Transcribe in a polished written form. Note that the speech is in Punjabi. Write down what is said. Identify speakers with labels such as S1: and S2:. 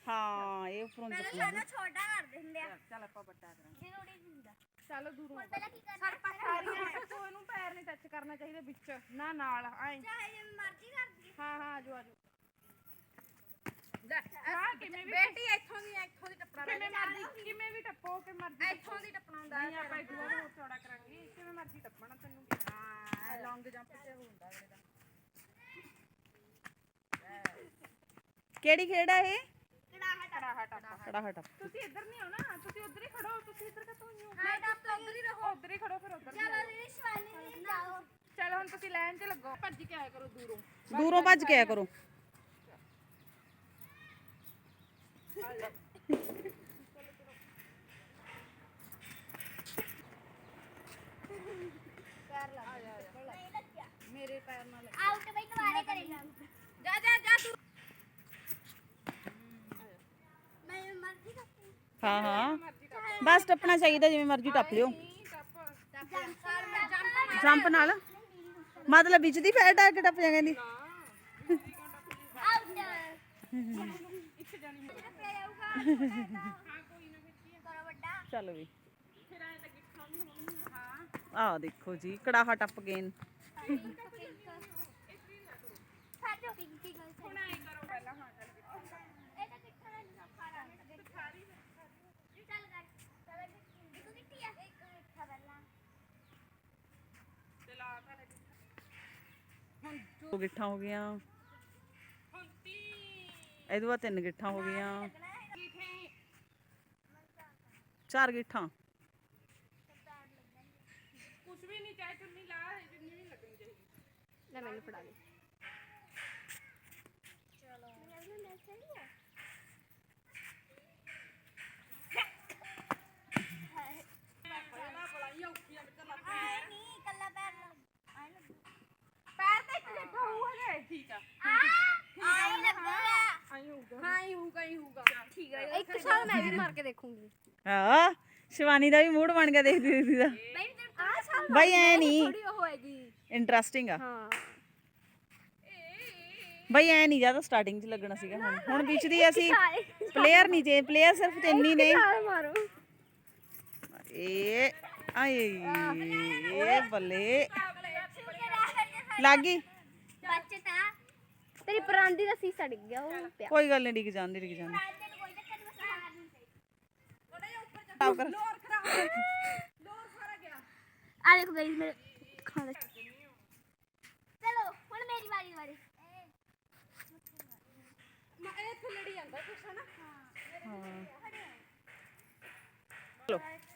S1: ਹਾਂ ਇਹ ਉੱਪਰੋਂ
S2: ਪਹਿਲਾਂ ਸਾਡਾ ਛੋਟਾ ਕਰਦੇ ਹੁੰਦੇ ਆ।
S3: ਚੱਲ ਆਪਾਂ ਵੱਡਾ ਕਰਾਂਗੇ।
S2: ਜ਼ਰੂਰੀ ਨਹੀਂ ਹੁੰਦਾ।
S3: ਚੱਲ ਦੂਰੋਂ
S2: ਪਹਿਲਾਂ ਕੀ ਕਰਨਾ?
S3: ਸਾਰੀਆਂ ਟੱਪੋ ਇਹਨੂੰ ਪੈਰ ਨਹੀਂ ਟੱਚ ਕਰਨਾ ਚਾਹੀਦਾ ਵਿੱਚ ਨਾ ਨਾਲ ਐਂ
S2: ਚਾਹੇ ਜਿਵੇਂ ਮਰਜ਼ੀ ਕਰ ਦਈਏ।
S3: ਹਾਂ ਹਾਂ ਆਜੋ ਆਜੋ ਕਿਵੇਂ ਵੀ
S4: ਬੇਟੀ ਇੱਥੋਂ ਦੀ ਟੱਪਣਾ
S3: ਕਿਵੇਂ ਵੀ ਟੱਪੋ ਕਿ ਮਰਜ਼ੀ
S4: ਇੱਥੋਂ ਦੀ ਟੱਪਣਾ ਹੁੰਦਾ
S3: ਨਹੀਂ ਆਪਾਂ ਇੱਕ ਹੋਰ ਚੌੜਾ ਕਰਾਂਗੇ ਕਿਵੇਂ ਮਰਜ਼ੀ ਟੱਪਣਾ ਤੈਨੂੰ
S4: ਹਾਂ ਲੌਂਗ ਜੰਪ ਤੇ ਹੁੰਦਾ ਅਗਲੇ ਦਾ
S1: ਕਿਹੜੀ ਖੇਡ ਆ ਇਹ?
S3: ਕੜਾਹਾ ਟੱਪ
S1: ਕੜਾਹਾ ਟੱਪ।
S3: ਤੁਸੀਂ ਇੱਧਰ ਨਹੀਂ ਆਉਣਾ ਤੁਸੀਂ ਉੱਧਰ ਹੀ ਖੜੋ ਤੁਸੀਂ ਇੱਧਰ ਕਿੱਥੋਂ ਆਏ ਹੋ
S2: ਹਾਂ ਤਾਂ
S3: ਉੱਧਰ ਹੀ ਰਹੋ ਉੱਧਰ ਹੀ ਖੜੋ ਫਿਰ ਉੱਧਰ
S2: ਚਲੋ ਜੀ ਸ਼ਿਵਾਨੀ ਜੀ ਜਾਓ।
S3: ਚਲ ਹੁਣ ਤੁਸੀਂ ਲਾਈਨ 'ਚ ਲੱਗੋ ਭੱਜ ਕੇ ਆਇਆ ਕਰੋ ਦੂਰੋਂ
S1: ਦੂਰੋਂ ਭੱਜ ਕੇ ਆਇਆ ਕਰੋ।
S3: ਮੇਰੇ ਪੈਰ ਨਾਲ
S2: ਆਊਟ ਬਈ ਦੁਬਾਰੇ ਕਰੇਗਾ।
S4: ਜਾ ਤੂੰ
S2: ਮੈਂ ਮਰਜ਼ੀ ਕਰਦੀ।
S1: ਹਾਂ ਹਾਂ ਬਸ ਟੱਪਣਾ ਚਾਹੀਦਾ ਜਿਵੇਂ ਮਰਜ਼ੀ ਟੱਪ ਲਿਓ। ਜੰਪ ਨਾਲ ਮਤਲਬ ਵਿੱਚ ਦੀ ਫੈਟ ਆ ਕੇ ਟੱਪ ਜਾ ਕਹਿੰਦੀ।
S2: ਆਊਟ
S3: ਇੱਕ ਜਾਣੀ
S2: ਰੱਖਿਆ ਜਾਊਗਾ। ਹਾਂ ਕੋਈ ਨਾ ਕਰੋ ਵੱਡਾ।
S1: ਚੱਲ ਵੀ
S3: ਫਿਰ ਐਂ ਤਾਂ ਗਿੱਠਾਂ ਵੀ ਹੋਣਗੀਆਂ ਹਾਂ
S1: ਆਹ ਦੇਖੋ ਜੀ ਕੜਾਹਾ ਟੱਪ ਗਏ।
S2: ਸਾਜੋ ਪਿੰਕੀ ਗੱਲ
S3: ਹੁਣ ਐਂ ਕਰੋ ਪਹਿਲਾਂ ਹਾਂ ਚੱਲ
S2: ਇਹ ਤਾਂ ਕਿੱਥਾ ਦਾ ਖਾਣਾ ਚੱਲ ਕਰ ਚਲ ਇੱਕ ਕਿੱਟੀ ਆ ਇੱਕ ਕਿੱਠਾ ਪਹਿਲਾਂ
S3: ਚਲਾ ਤਾਂ ਲੱਗੀ
S1: ਦੋ ਗਿੱਠਾਂ ਹੋ ਗਈਆਂ।
S3: ਹੁਣ 30
S1: ਇਹਦੇ ਬਾਅਦ 3 ਗਿੱਠਾਂ ਹੋ ਗਈਆਂ।
S3: ਕਿਥੇ
S1: 4 ਗਿੱਠਾਂ।
S3: ਕੁਝ ਵੀ ਨਹੀਂ ਚਾਹੇ ਚੁੰਨੀ ਲਾ ਜਿੰਨੀ ਵੀ ਲੱਗਣੀ ਚਾਹੀਦੀ
S4: ਲੈ ਮੈਨੂੰ ਫੜਾ ਦੇ
S2: ਆਏ ਨਹੀਂ ਕੱਲਾ ਪੈਰ ਆਏ ਲੱਗੂ
S3: ਪੈਰ ਤੇ ਇੱਕ ਗਿੱਠਾ ਹੋਊਗਾ ਠੀਕ ਆ
S2: ਆਏ ਲੱਗੂਗਾ
S3: ਆਈ ਹੋਊਗਾ
S4: ਹਾਂ ਹੀ ਹੋਊਗਾ
S3: ਠੀਕ ਆ
S4: ਇੱਕ ਸਾਲ ਮੈਂ ਵੀ ਮਾਰ ਕੇ ਦੇਖੂੰਗੀ
S1: ਹਾਂ ਸ਼ਿਵਾਨੀ ਦਾ ਵੀ ਮੂਡ ਬਣ ਗਿਆ ਦੇਖਦੀ ਦੇਖਦੀ ਦਾ।
S2: ਬਈ ਤੇ ਆ ਸਾਲ
S1: ਬਾਈ ਐ ਨਹੀਂ
S4: ਥੋੜੀ ਉਹ ਹੋਏਗੀ
S1: ਇੰਟਰਸਟਿੰਗ ਆ।
S4: ਹਾਂ
S1: ਬਾਈ ਐ ਨਹੀਂ ਜਿਆਦਾ ਸਟਾਰਟਿੰਗ 'ਚ ਲੱਗਣਾ ਸੀਗਾ ਹੁਣ ਵਿੱਚ ਦੀ ਅਸੀਂ ਪਲੇਅਰ ਨਹੀਂ ਜੇ ਪਲੇਅਰ ਸਿਰਫ 3 ਹੀ ਨੇ।
S4: ਸਾਲ ਮਾਰੋ
S1: ਏ ਆਏ ਏ ਬੱਲੇ ਲੱਗ ਗਈ।
S2: ਬੱਚਤਾ
S4: ਤੇਰੀ ਪਰਾਂਦੀ ਦਾ ਸੀਸਾ ਡਿੱਗ ਗਿਆ ਉਹ ਪਿਆ
S1: ਕੋਈ ਗੱਲ ਨਹੀਂ ਡਿੱਗ ਜਾਂਦੀ ਡਿੱਗ ਜਾਂਦੀ।
S2: ਰਾਜ ਦੇ ਕੋਈ ਚੱਕਰ ਬਸ ਮਾਰ ਨਹੀਂ ਸਹੀ
S1: ਸਾਫ਼ ਕਰ।
S3: ਲੋਰ ਸਾਰਾ ਗਿਆ
S4: ਆ ਦੇਖੋ ਗਾਇਸ ਮੇਰੇ ਖਾਣਾ
S2: ਚਲੋ ਹੁਣ ਮੇਰੀ ਵਾਰੀ ਵਾਰੀ
S3: ਇਹ ਥੱਲੜੀ ਜਾਂਦਾ ਕੁਛ ਹਨਾ
S1: ਹਾਂ ਚਲੋ